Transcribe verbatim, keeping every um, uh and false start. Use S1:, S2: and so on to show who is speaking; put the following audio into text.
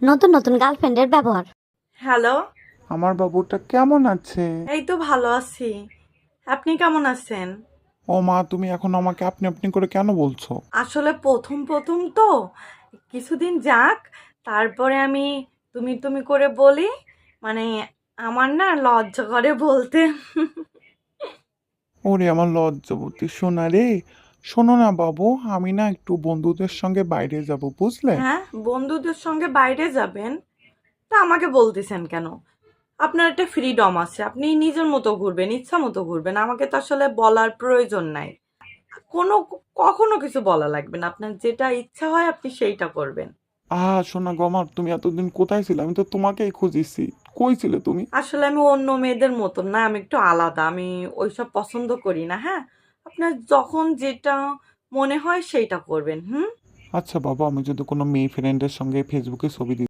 S1: নতুন নতুন গার্লফ্রেন্ডের ব্যবহার।
S2: হ্যালো।
S3: আমার বাবুটা কেমন আছে?
S2: এই তো ভালো আছি। আপনি কেমন আছেন?
S3: ও মা, তুমি এখন আমাকে আপনি আপনি করে কেন বলছো?
S2: আসলে প্রথম প্রথম তো, কিছুদিন যাক, তারপরে আমি তুমি তুমি করে বলি। মানে আমার না লজ্জা করে বলতে।
S3: ওরে আমার লজ্জাবতী সোনা রে। শোনো না বাবু, আমি না একটু বন্ধুদের সঙ্গে বাইরে যাব, বুঝলে?
S2: হ্যাঁ, বন্ধুদের সঙ্গে বাইরে যাবেন? তা আমাকে বলতেছেন কেন? আপনার একটা ফ্রিডম আছে, আপনি নিজের মতো ঘুরবেন, ইচ্ছা মতো ঘুরবেন, আমাকে তো আসলে বলার প্রয়োজন নাই। কোনো কখনো কিছু বলা লাগবে না, আপনার যেটা ইচ্ছা হয় আপনি সেইটা করবেন।
S3: আহ সোনা গো আমার, তুমি এতদিন কোথায় ছিলে? আমি তো তোমাকেই খুঁজিছি। কই ছিলে তুমি?
S2: আসলে আমি অন্য মেয়েদের মতন না, আমি একটু আলাদা, আমি ওইসব পছন্দ করি না। হ্যাঁ, আপনার যখন যেটা মনে হয় সেইটা করবেন। হুম।
S3: আচ্ছা বাবা, আমি যদি কোনো মেয়ে ফ্রেন্ডের সঙ্গে ফেসবুকে ছবি দিই